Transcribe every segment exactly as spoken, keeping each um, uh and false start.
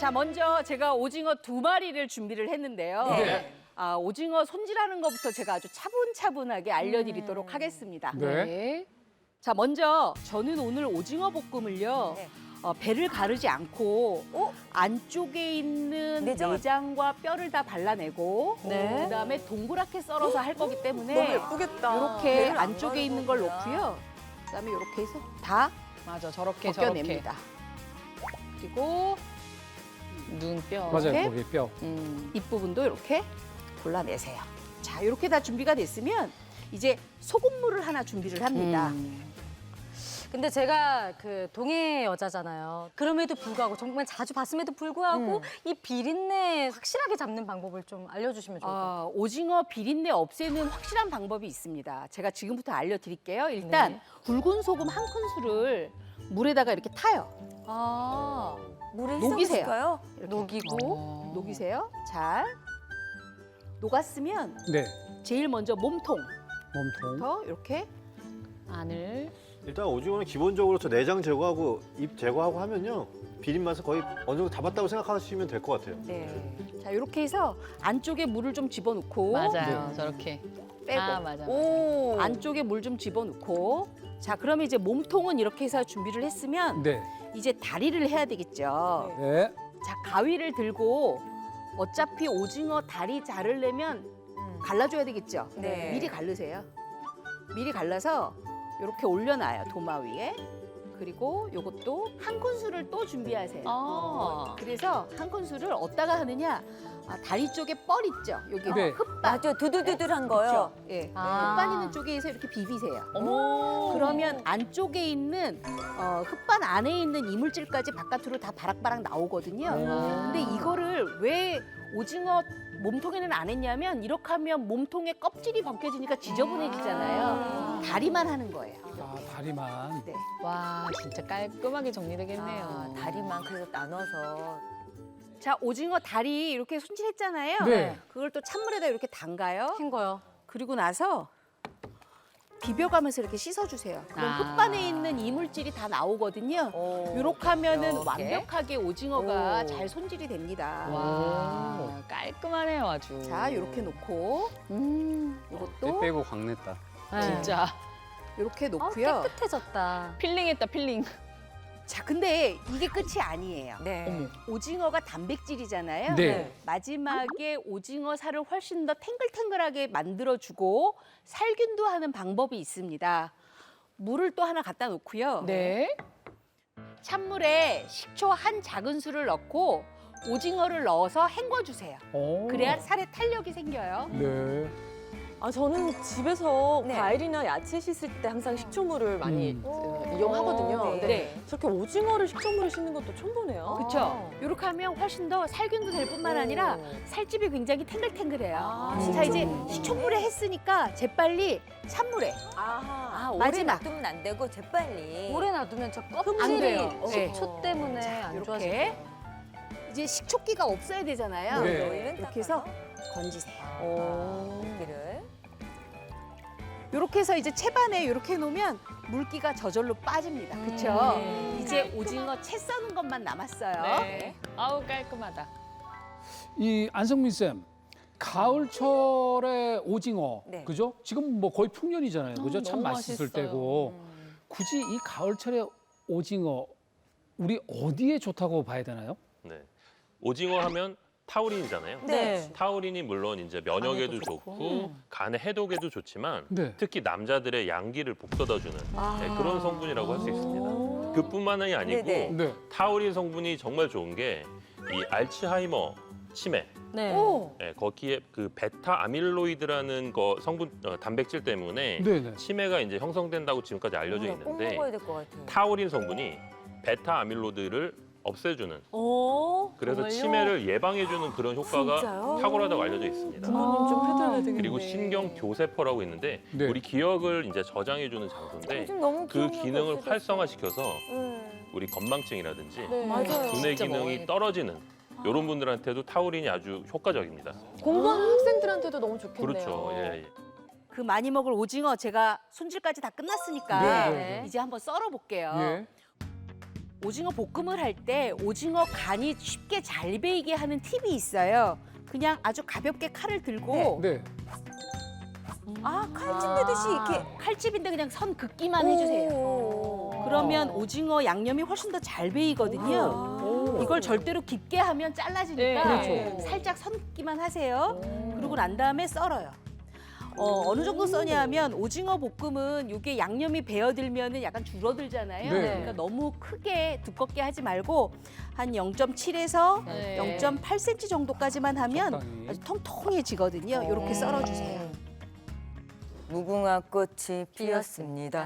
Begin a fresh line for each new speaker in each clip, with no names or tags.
자, 먼저 제가 오징어 두 마리를 준비를 했는데요.
네.
아, 오징어 손질하는 것부터 제가 아주 차분차분하게 알려드리도록
음.
하겠습니다.
네.
자, 먼저 저는 오늘 오징어 볶음을요.
네.
어, 배를 가르지 않고
어?
안쪽에 있는
내장.
내장과 뼈를 다 발라내고
네.
그다음에 동그랗게 썰어서 할 거기
너무
때문에
예쁘겠다.
이렇게
배를 안
안쪽에 있는 걸
가르는구나.
넣고요. 그다음에 이렇게 해서 다
맞아, 저렇게 저렇게
벗겨냅니다. 그리고
눈뼈.
이렇게?
맞아요. 거기 뼈.
음.
윗부분도 이렇게 골라내세요. 자, 이렇게 다 준비가 됐으면 이제 소금물을 하나 준비를 합니다.
음.
근데 제가 그 동해 여자잖아요. 그럼에도 불구하고 정말 자주 봤음에도 불구하고
음.
이 비린내 확실하게 잡는 방법을 좀 알려주시면 좋을 것 같아요.
아, 오징어 비린내 없애는 확실한 방법이 있습니다. 제가 지금부터 알려드릴게요. 일단
네.
굵은 소금 한 큰술을 물에다가 이렇게 타요.
아,
물에
녹이세요.
희석시켜요?
이렇게
녹이고
어.
녹이세요. 잘 녹았으면
네.
제일 먼저 몸통부터
몸통.
이렇게
안을
일단 오징어는 기본적으로 저 내장 제거하고 잎 제거하고 하면요 비린 맛을 거의 어느 정도 다 봤다고 생각하시면 될 것 같아요.
네.
자 이렇게 해서 안쪽에 물을 좀 집어넣고
맞아요, 저렇게.
빼고
아, 맞아. 맞아.
오.
안쪽에 물 좀 집어넣고 자 그러면 이제 몸통은 이렇게 해서 준비를 했으면
네.
이제 다리를 해야 되겠죠.
네.
자 가위를 들고 어차피 오징어 다리 자르려면
음.
갈라줘야 되겠죠.
네.
미리 갈르세요. 미리 갈라서 이렇게 올려놔요 도마 위에. 그리고 요것도 한 큰술을 또 준비하세요.
아.
그래서 한 큰술을 어디다가 하느냐? 아, 다리 쪽에 뻘 있죠. 여기
네.
흙반.
맞아, 두들두들한 거요.
그렇죠? 예.
아.
흙반 있는 쪽에서 이렇게 비비세요.
어머.
그러면 안쪽에 있는 어, 흙반 안에 있는 이물질까지 바깥으로 다 바락바락 나오거든요. 근데 이거를 왜 오징어 몸통에는 안 했냐면 이렇게 하면 몸통의 껍질이 벗겨지니까 지저분해지잖아요. 다리만 하는 거예요.
아, 다리만.
네.
와, 진짜 깔끔하게 정리되겠네요.
아, 다리만 그래서 나눠서.
자, 오징어 다리 이렇게 손질했잖아요.
네.
그걸 또 찬물에다 이렇게 담가요.
헹궈요.
그리고 나서 비벼가면서 이렇게 씻어주세요. 그럼
아.
흙반에 있는 이물질이 다 나오거든요.
오.
이렇게 하면은
이렇게.
완벽하게 오징어가
오.
잘 손질이 됩니다.
와, 깔끔하네요, 아주.
자, 이렇게 놓고
음.
이것도
빼고 광냈다.
네.
진짜.
이렇게
아,
놓고요.
깨끗해졌다.
필링했다, 필링.
자, 근데 이게 끝이 아니에요.
네.
어머.
오징어가 단백질이잖아요.
네.
마지막에 오징어 살을 훨씬 더 탱글탱글하게 만들어주고 살균도 하는 방법이 있습니다. 물을 또 하나 갖다 놓고요.
네.
찬물에 식초 한 작은술을 넣고 오징어를 넣어서 헹궈주세요.
오.
그래야 살에 탄력이 생겨요.
네.
아 저는 집에서
네.
과일이나 야채 씻을 때 항상 식초물을 많이
음.
어, 이용하거든요.
네.
근데
네.
저렇게 오징어를 식초물을 씻는 것도 처음 보네요.
그렇죠. 이렇게 하면 훨씬 더 살균도 될 뿐만 아니라 살집이 굉장히 탱글탱글해요.
아,
자 이제
식초물.
식초물에 했으니까 재빨리 찬물에
아하.
아,
오래
마지막.
놔두면 안 되고 재빨리.
오래 놔두면 저
안
껍질이
돼요.
식초 때문에 안
이렇게
좋아져요.
이제 식초기가 없어야 되잖아요.
네.
오일은
이렇게 해서 건지세요.
오. 기를.
이렇게 해서 이제 채반에 이렇게 놓으면 물기가 저절로 빠집니다. 그렇죠?
네.
이제 오징어 채 써는 것만 남았어요.
네. 아우, 깔끔하다.
이 안성민 쌤, 가을철에 오징어,
네.
그죠? 지금 뭐 거의 풍년이잖아요, 그죠? 참
너무
맛있을
맛있어요.
때고. 굳이 이 가을철에 오징어 우리 어디에 좋다고 봐야 되나요?
네. 오징어 하면 타우린이잖아요.
네.
타우린이 물론 이제 면역에도
간에도 좋고.
좋고 간의 해독에도 좋지만
네.
특히 남자들의 양기를 북돋아주는
아.
네, 그런 성분이라고 할 수 있습니다. 그뿐만이 아니고
네네.
네.
타우린 성분이 정말 좋은 게 이 알츠하이머 치매
네.
오,
예, 거기에 그 베타 아밀로이드라는 거 성분 어, 단백질 때문에
네네.
치매가 이제 형성된다고 지금까지 알려져
꼭
있는데
먹어야 될 것 같아요.
타우린 성분이 베타 아밀로이드를 없애주는
오.
그래서
정말요?
치매를 예방해주는 그런 효과가
진짜요?
탁월하다고 알려져 있습니다.
부모님 좀 해드려야 되겠네.
그리고 신경 교세포라고 있는데
네.
우리 기억을 이제 저장해주는 장소인데
요즘 너무
그
기억력이
기능을
없어졌어.
활성화시켜서
네.
우리 건망증이라든지
네.
맞아요.
두뇌
진짜
기능이
먹어야겠다.
떨어지는 이런 분들한테도 타우린이 아주 효과적입니다.
공부하는 학생들한테도 너무 좋겠네요.
그렇죠. 예, 예.
그 많이 먹을 오징어 제가 손질까지 다 끝났으니까
네, 네, 네.
이제 한번 썰어 볼게요.
예.
오징어 볶음을 할 때 오징어 간이 쉽게 잘 배이게 하는 팁이 있어요. 그냥 아주 가볍게 칼을 들고
네.
아, 칼집 내듯이 이렇게.
칼집인데 그냥 선 긋기만 해주세요.
오.
그러면 오징어 양념이 훨씬 더 잘 배이거든요. 이걸 절대로 깊게 하면 잘라지니까
네,
그렇죠.
살짝 선 긋기만 하세요. 그러고 난 다음에 썰어요. 어, 어느 정도 써냐면 오징어 볶음은 이게 양념이 배어들면은 약간 줄어들잖아요.
네.
그러니까 너무 크게 두껍게 하지 말고 한 영 점 칠에서
네.
영 점 팔 센티미터 정도까지만 하면
적당히.
아주 통통해지거든요. 이렇게 썰어주세요.
무궁화 꽃이 피었습니다.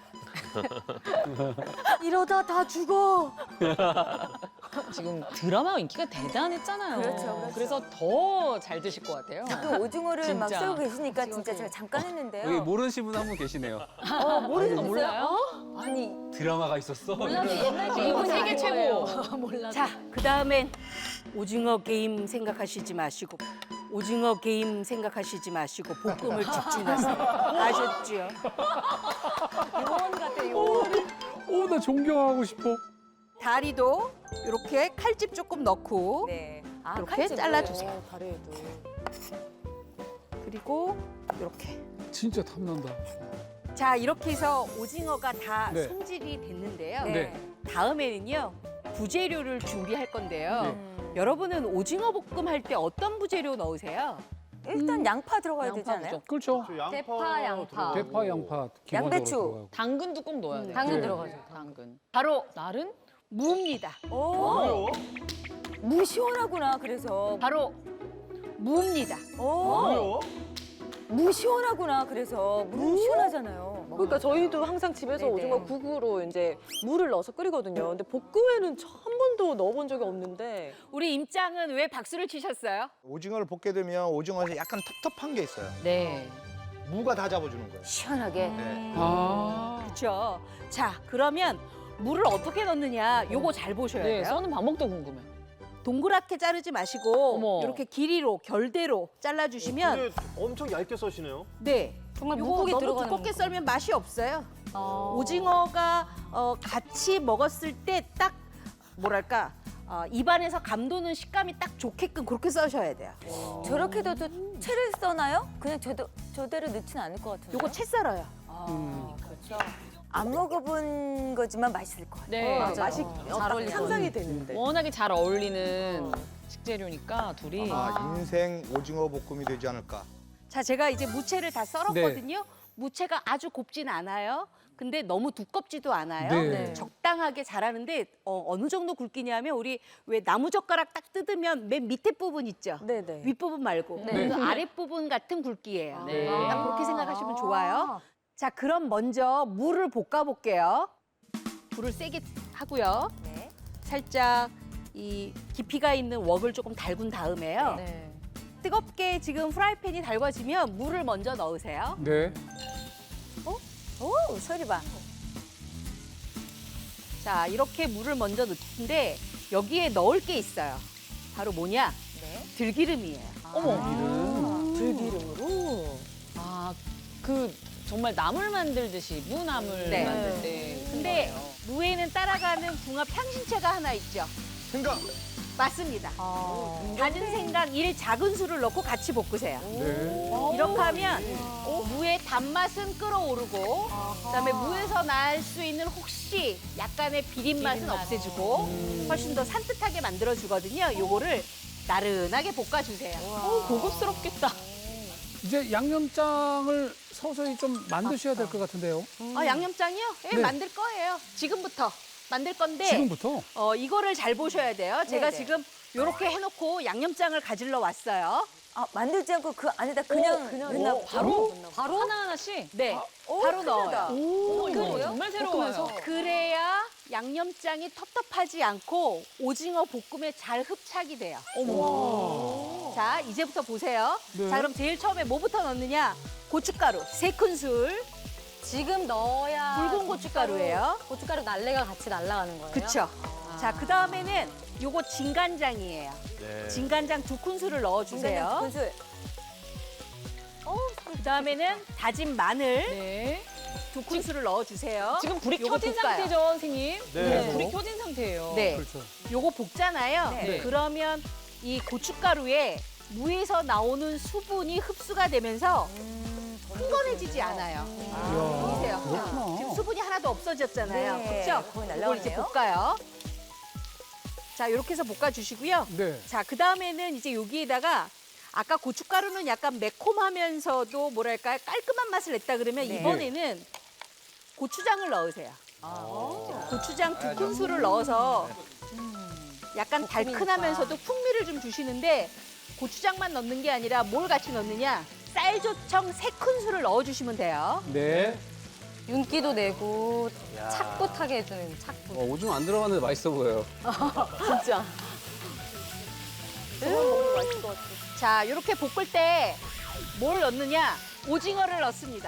이러다 다 죽어.
지금 드라마 인기가 대단했잖아요.
그렇죠, 그렇죠.
그래서 더 잘 드실 것 같아요.
또 오징어를 막
진짜.
썰고 계시니까 진짜 제가 잠깐 했는데요.
여기 모르시는 분 한 분 계시네요.
어, 모르겠어요.
아, 몰라요?
아니,
드라마가 있었어.
이분 세계 최고.
자, 그 다음엔 오징어 게임 생각하시지 마시고 오징어 게임 생각하시지 마시고 볶음을 집중하세요. 아셨죠?
요원 같아, 요원.
오, 나 존경하고 싶어.
다리도 이렇게 칼집 조금 넣고
네. 아,
이렇게
칼집을.
잘라주세요.
다리에도.
그리고 이렇게.
진짜 탐난다.
자, 이렇게 해서 오징어가 다
네.
손질이 됐는데요.
네.
다음에는요, 부재료를 준비할 건데요.
네.
음.
여러분은 오징어 볶음 할 때 어떤 부재료 넣으세요?
일단 양파 들어가야 되지
양파
않아요?
그렇죠.
저 양파
대파, 양파.
들어가고.
대파, 양파 기본적으로
양배추.
들어가고.
당근도 꼭 넣어야 돼요.
당근
네.
들어가죠.
당근.
바로
날은?
무입니다.
오, 무 시원하구나, 그래서.
바로 무입니다.
오, 무 시원하구나, 그래서. 무 시원하잖아요.
그러니까 저희도 항상 집에서
네네.
오징어 국으로 이제 물을 넣어서 끓이거든요. 근데 볶음에는 저 한 번도 넣어본 적이 없는데.
우리 임장은 왜 박수를 치셨어요?
오징어를 볶게 되면 오징어에서 약간 텁텁한 게 있어요.
네.
무가 다 잡아주는 거예요.
시원하게.
네.
아.
그렇죠. 자, 그러면 물을 어떻게 넣느냐? 요거 잘 보셔야
네,
돼요.
써는 방법도 궁금해.
동그랗게 자르지 마시고
어머.
이렇게 길이로 결대로 잘라주시면
근데 엄청 얇게 써시네요.
네.
정말
요거
무국이
너무
들어가는
두껍게
거.
썰면 맛이 없어요.
어.
오징어가 어, 같이 먹었을 때 딱 뭐랄까 어, 입안에서 감도는 식감이 딱 좋게끔 그렇게 써셔야 돼요.
저렇게 넣어도 채를 써나요? 그냥 저도, 저대로 넣지는 않을 것 같은데.
요거 채 썰어요.
아, 그렇죠. 안 먹어본 거지만 맛있을 것 같아요.
네.
어,
맞아.
맛이
잘
딱
어울릴
상상이 되는데.
워낙에 잘 어울리는 식재료니까 둘이.
아, 인생 오징어 볶음이 되지 않을까.
자, 제가 이제 무채를 다 썰었거든요. 무채가 아주 곱진 않아요. 근데 너무 두껍지도 않아요.
네.
적당하게 자라는데 어, 어느 정도 굵기냐면 우리 왜 나무 젓가락 딱 뜯으면 맨 밑에 부분 있죠.
네네.
윗부분 말고
네.
그 아랫부분 같은 굵기예요.
네.
딱 그렇게 생각하시면 좋아요. 자, 그럼 먼저 물을 볶아 볼게요. 불을 세게 하고요.
네.
살짝 이 깊이가 있는 웍을 조금 달군 다음에요.
네.
뜨겁게 지금 프라이팬이 달궈지면 물을 먼저 넣으세요.
네.
오, 소리 봐.
자, 이렇게 물을 먼저 넣는데 여기에 넣을 게 있어요. 바로 뭐냐?
네.
들기름이에요.
어머.
들기름으로.
아, 그 정말 나물 만들듯이 무나물
네.
만들 때.
근데
거예요.
무에는 따라가는 궁합 향신채가 하나 있죠.
생각.
맞습니다.
어.
다진 생강 일 작은 술을 넣고 같이 볶으세요.
네.
이렇게 하면 무의 단맛은 끌어오르고 그다음에 무에서 날 수 있는 혹시 약간의 비린맛은
비린맛.
없애주고 훨씬 더 산뜻하게 만들어주거든요. 요거를 나른하게 볶아주세요.
어, 고급스럽겠다.
이제 양념장을 서서히 좀 만드셔야 될 것 같은데요.
아, 양념장이요? 예,
네.
만들 거예요. 지금부터 만들 건데
지금부터?
어, 이거를 잘 보셔야 돼요. 제가
네네.
지금 이렇게 해놓고 양념장을 가지러 왔어요.
아, 만들지 않고 그 안에다 그냥,
그냥
넣나
넣어.
바로? 바로? 하나하나씩?
네,
오,
바로
큰일이다.
넣어요.
오, 이거
그래요?
정말 새로워요.
그래야 양념장이 텁텁하지 않고 오징어 볶음에 잘 흡착이 돼요.
어머.
자, 이제부터 보세요.
네.
자, 그럼 제일 처음에 뭐부터 넣느냐? 고춧가루 세 큰술,
지금 넣어야
붉은 고춧가루예요.
고춧가루 날래가 같이 날아가는 거예요?
그쵸? 자, 그 다음에는 요거 진간장이에요.
네.
진간장 두 큰술을 넣어주세요.
군술.
그 다음에는 다진 마늘,
네.
두 큰술을 넣어주세요.
지금 불이
요거
켜진
볶아요.
상태죠, 선생님?
네.
불이 켜진 상태예요.
네.
그렇죠.
요거 볶잖아요.
네.
그러면 이 고춧가루에 무에서 나오는 수분이 흡수가 되면서 흥건해지지 않아요. 보이세요?
그렇구나.
지금 수분이 하나도 없어졌잖아요.
네,
그렇죠?
거의
이걸 이제
날라오네요.
볶아요. 자, 이렇게 해서 볶아주시고요.
네.
자, 그 다음에는 이제 여기에다가 아까 고춧가루는 약간 매콤하면서도 뭐랄까요? 깔끔한 맛을 냈다 그러면
네.
이번에는 고추장을 넣으세요. 고추장 두 큰술을 넣어서 약간 달큰하면서도 풍미를 좀 주시는데 고추장만 넣는 게 아니라 뭘 같이 넣느냐? 쌀조청 세 큰술을 넣어주시면 돼요.
네.
윤기도 내고 착붙하게 해주는 착붙.
어, 오징어 안 들어갔는데 맛있어 보여요.
진짜. 먹으면 맛있을 것 같아.
자, 이렇게 볶을 때 뭘 넣느냐? 오징어를 넣습니다.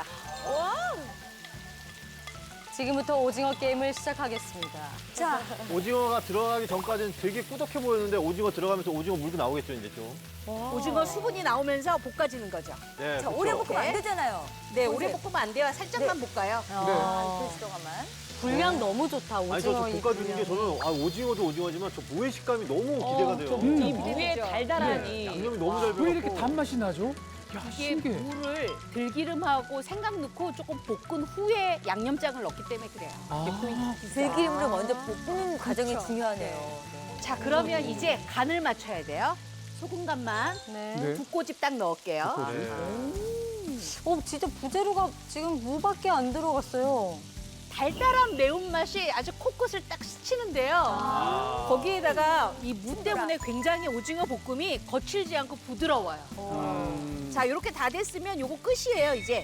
지금부터 오징어 게임을 시작하겠습니다.
자,
오징어가 들어가기 전까지는 되게 꾸덕해 보였는데 오징어 들어가면서 오징어 물고 나오겠죠 이제 좀.
오징어 수분이 나오면서 볶아지는 거죠.
네,
자
그쵸.
오래 볶으면
네.
안 되잖아요.
네, 오래 볶으면 안 돼요. 살짝만 볶아요.
아, 이틀 동안만.
분량 너무 좋다.
아니
오징어
저
이
볶아주는 게
분량이.
저는 아, 오징어도 오징어지만 저 무의 식감이 너무 기대가 돼요.
이 무의 달달하니.
양념이 너무 잘
왜 이렇게
배갖고.
단맛이 나죠? 야,
이게
신기해.
물을 들기름하고 생강 넣고 조금 볶은 후에 양념장을 넣기 때문에 그래요.
아,
들기름으로 먼저 볶는 과정이 중요하네요. 네.
자, 그러면 이제 간을 맞춰야 돼요. 소금 간만
네.
네.
두 꼬집 딱 넣을게요.
네.
어, 진짜 부재료가 지금 무밖에 안 들어갔어요.
달달한 매운맛이 아주 코끝을 딱 스치는데요. 거기에다가 이 무 때문에 굉장히 오징어 볶음이 거칠지 않고 부드러워요.
음.
자, 이렇게 다 됐으면 요거 끝이에요, 이제.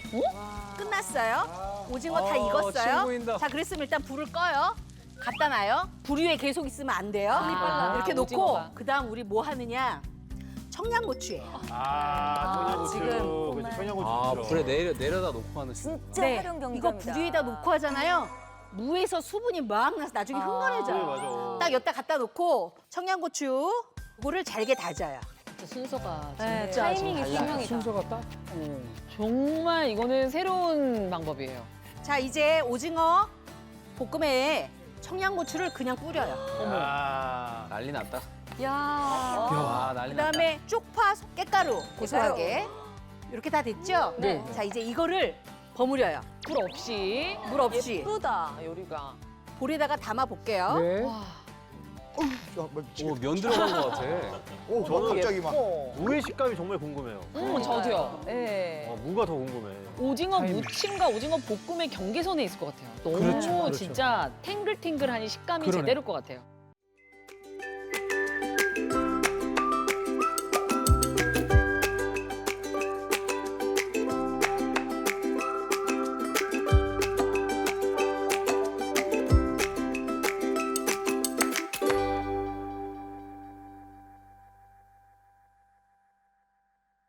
끝났어요. 오징어 다
어,
익었어요.
침 고인다.
자, 그랬으면 일단 불을 꺼요. 갖다 놔요. 불 위에 계속 있으면 안 돼요.
아,
이렇게 놓고
오징어가.
그다음 우리 뭐 하느냐? 청양고추예요.
아, 청양고추.
지금
그치, 청양고추.
아,
좋죠.
불에 내려, 내려다 놓고 하는.
진짜
네,
활용
이거
경제입니다.
불 위에다 놓고 하잖아요. 무에서 수분이 막 나서 나중에
아.
흥건해져요.
네, 맞아.
딱 여기다 갖다 놓고 청양고추 이거를 잘게 다져요.
순서가
네,
진짜
타이밍이
달라요.
분명이다.
순서가 딱. 어.
정말 이거는 새로운 방법이에요.
자, 이제 오징어 볶음에 청양고추를 그냥 뿌려요.
아,
난리 났다.
야.
아, 난리 났다.
그다음에 쪽파 깻가루 고소하게 이렇게 다 됐죠?
네.
자, 이제 이거를 버무려요.
불 없이.
물 없이
예쁘다, 요리가.
볼에다가 담아 볼게요.
네.
야, 뭐,
오, 면 들어간 것 같아.
오,
저는
갑자기 막.
어.
무의 식감이 정말 궁금해요.
음, 저도요.
네.
어, 무가 더 궁금해.
오징어
타이밍.
무침과 오징어 볶음의 경계선에 있을 것 같아요. 너무
그렇죠, 그렇죠.
진짜 탱글탱글하니 식감이
그러네.
제대로일 것 같아요.